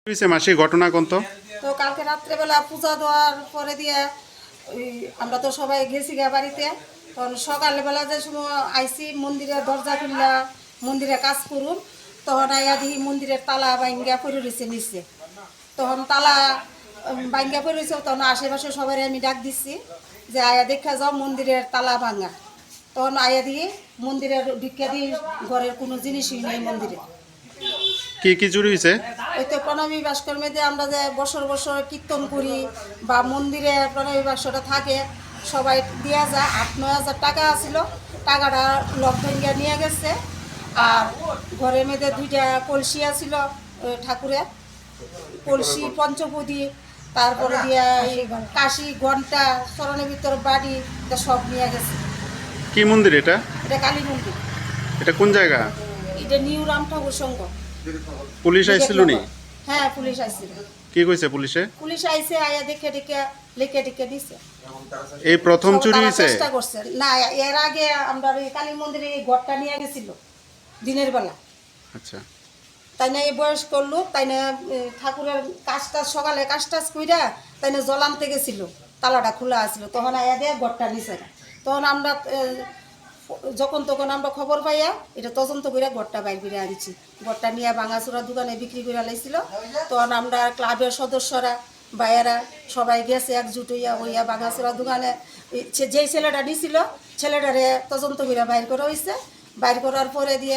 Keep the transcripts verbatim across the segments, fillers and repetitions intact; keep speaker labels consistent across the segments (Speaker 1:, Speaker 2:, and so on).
Speaker 1: হয়েছে মাসি ঘটনা কোন তো?
Speaker 2: তো কালকে রাত্রেবেলা পূজা দেওয়ার পরে দিয়ে ওই আমরা তো সবাই গেছি গা বাড়িতে। তখন সকালবেলা যে সময় আইসি মন্দিরে দরজা খুললা মন্দিরে কাজ করুন, তখন আইয়া দেখি মন্দিরের তালা বাইঙ্গা পড়ে রয়েছে নিচে। তখন তালা বাইঙ্গা পড়ে রয়েছে, তখন আশেপাশে সবাই আমি ডাক দিচ্ছি যে আয়া দেখা যাও মন্দিরের তালা ভাঙা। তখন আয়া দিয়ে মন্দিরের ভিক্ষা দিয়ে ঘরের কোনো জিনিসই নেই মন্দিরে।
Speaker 1: কি কি চুরি হয়েছে?
Speaker 2: ওই তো প্রণবী ভাস্কর্মে যে আমরা যে বছর বছর কীর্তন করি বা মন্দিরে প্রণবী বাক্সটা থাকে, সবাই দেওয়া যায়। আট নয় হাজার টাকা আছিল, টাকাটা লক ভেঙ্গিয়া নিয়ে গেছে। আর ঘরের মেয়েদে দুইটা কলসি আছিল ঠাকুরের, কলসি পঞ্চপদী, তারপরে দিয়া এই কাশি ঘন্টা চরণের ভিতর বাড়ি, এটা সব নিয়ে গেছে।
Speaker 1: কি মন্দির এটা?
Speaker 2: এটা কালী মন্দির।
Speaker 1: এটা কোন জায়গা?
Speaker 2: এটা নিউ রাম ঠাকুর সংঘ।
Speaker 1: পুলিশ আইছিল নি?
Speaker 2: হ্যাঁ, পুলিশ আইছিল।
Speaker 1: কি কইছে পুলিশে?
Speaker 2: পুলিশ আইছে, আয়া দেখে দেখে লিখে টিকে দিছে।
Speaker 1: এই প্রথম চুরি হয়েছে?
Speaker 2: চেষ্টা করছে না, এর আগে আমরা এই কালী মন্দিরে এই ঘরটা নিয়ে গেছিল দিনের বেলা।
Speaker 1: আচ্ছা,
Speaker 2: তাই না এই বয়স্ক লোক, তাই না ঠাকুরের কাজটা সকালে কাজ টাজ কইরা তাই না জল আনতে গেছিল, তালাটা খোলা আছিল। তখন আয়া দিয়ে ঘরটা নিছে না। তখন আমরা যখন তখন আমরা খবর পাইয়া এটা তদন্ত করে ঘরটা বাইর করে আনছি। ঘরটা নিয়ে ভাঙাচোরা দোকানে বিক্রি করে লাইছিল। তখন আমরা ক্লাবের সদস্যরা বাইরা সবাই গেছে একজুট হইয়া হইয়া ভাঙাচোরা দোকানে যেই ছেলেটা নিছিল ছেলেটারে তদন্ত করে বাইর করা হয়েছে। বাইর করার পরে দিয়ে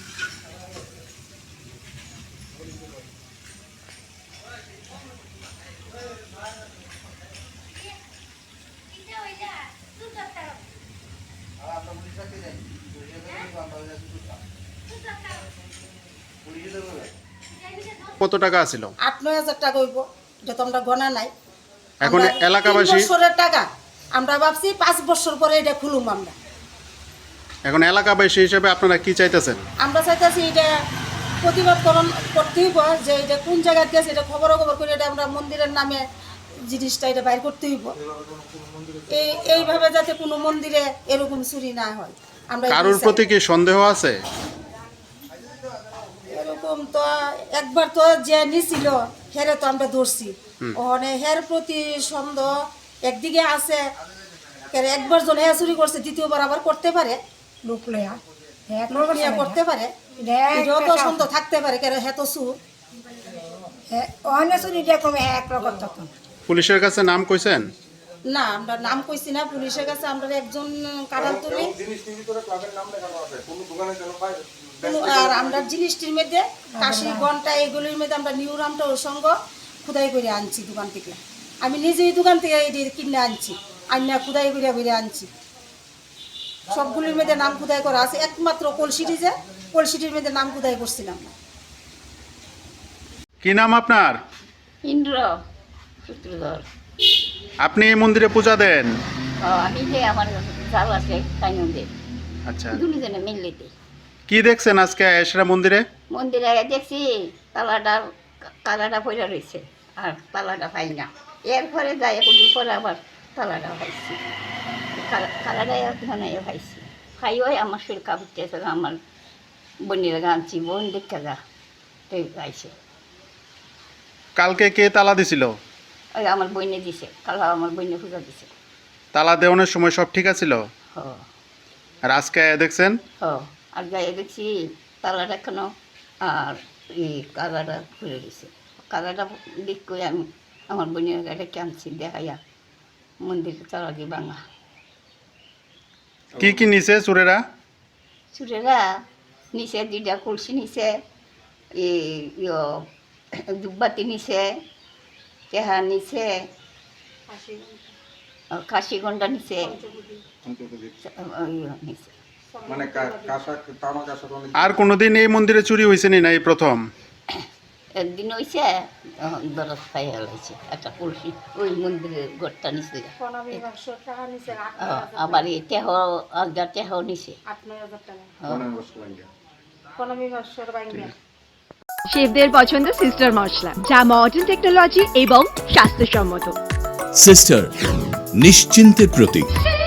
Speaker 1: কত টাকা আছিল?
Speaker 2: আট নয় হাজার টাকা হইব, এটা তো আমরা গণা নাই।
Speaker 1: এখন এলাকাবাসী
Speaker 2: বছরের টাকা আমরা ভাবছি পাঁচ বছর পরে এটা খুলুম আমরা।
Speaker 1: এখন এলাকাবাসী হিসেবে আপনারা কি চাইতেছেন?
Speaker 2: আমরা চাইতেছি এটা প্রতিবাদ করণ করতে হইব, যে এটা কোন জায়গায় গেছে এটা খবর খবর করে এটা আমরা মন্দিরের নামে জিনিসটা এটা বাইর করতে হইব। এই এইভাবে যাতে কোনো মন্দিরে এরকম চুরি না হয়। আমরা
Speaker 1: কারোর প্রতি কি সন্দেহ আছে?
Speaker 2: এরকম তো একবার তো যে নিছিল হেরে তো আমরা ধরছি, ওখানে হের প্রতি সন্দেহ একদিকে আছে। একবার জন হ্যাঁ চুরি করছে, দ্বিতীয়বার আবার করতে পারে, লোক লয়া হ্যাঁ করতে পারে, এটাও তো সন্দেহ থাকতে পারে। কেন হ্যাঁ তো চুর
Speaker 1: পুলিশের কাছে নাম কইছেন?
Speaker 2: না, আমরা নাম কইছি না পুলিশের কাছে। আমরা একজন কারাল তুলি আর আমরা জিনিসটির মধ্যে কাশি ঘন্টা এগুলির মধ্যে আমরা নিউ রামটা ওর সঙ্গ খুদাই করে আনছি দোকান থেকে। আমি নিজেই দোকান থেকে এটি কিনে আনছি, আন্না খুদাই করে বেরে আনছি। সবগুলির মধ্যে নাম খুদাই করা আছে, একমাত্র কলসিটি যে কলসিটির মধ্যে নাম খুদাই করছিলাম না।
Speaker 1: কি নাম আপনার?
Speaker 3: ইন্দ্র সূত্রধর।
Speaker 1: আপনি এই মন্দিরে পূজা দেন?
Speaker 3: আমি যে আমার জাল আছে তাই মন্দির।
Speaker 1: আচ্ছা,
Speaker 3: দুজনে মিললেতে
Speaker 1: কি দেখছেন আজকে এসরা মন্দিরে?
Speaker 3: মন্দিরে দেখছি তালাটা তালাটা পড়ে রয়েছে আর তালাটা পাই না। এরপরে যাই এখন পরে আবার তালাটা পাইছি, তালাটা এখানে পাইছি। খাই ওই আমার শরীর কাপড়তে আমার বোনের গানছি, বোন দেখতে যা গাইছে।
Speaker 1: কালকে কে তালা দিছিল?
Speaker 3: ওই আমার বইনে দিছে, কালা আমার বইনে পূজা দিছে।
Speaker 1: তালা দেওয়ানোর সময় সব ঠিক আছিল?
Speaker 3: হ
Speaker 1: আর আজকে দেখছেন?
Speaker 3: হ আর যাই দেখছি তালাটা এখনো আর এই কালাটা খুলে দিছে। কালাটা দিক করে আমি আমার বোনের গাড়ি আনছি দেখাইয়া মন্দিরে তালা দিয়ে ভাঙা।
Speaker 1: কি কি নিছে চোরেরা?
Speaker 3: চুরেরা নিচে দুইটা কলসি নিছে, এই দুব্বাতি নিছে, তেহা নিছে, কাশি গন্ডা নিছে, নিছে।
Speaker 1: আর কোনোদিন এই মন্দিরে চুরি হয়েছে নি? না এই প্রথম?
Speaker 3: একদিন হয়েছে দরজ খাই হয়েছে একটা কলসি ওই মন্দিরের ঘরটা নিচে। আবার এই টেহ আজগা টেহ নিছে।
Speaker 4: শেফদের পছন্দ সিস্টার মশলা, যা মডার্ন টেকনোলজি এবং স্বাস্থ্যসম্মত।
Speaker 5: সিস্টার নিশ্চিন্তের প্রতীক।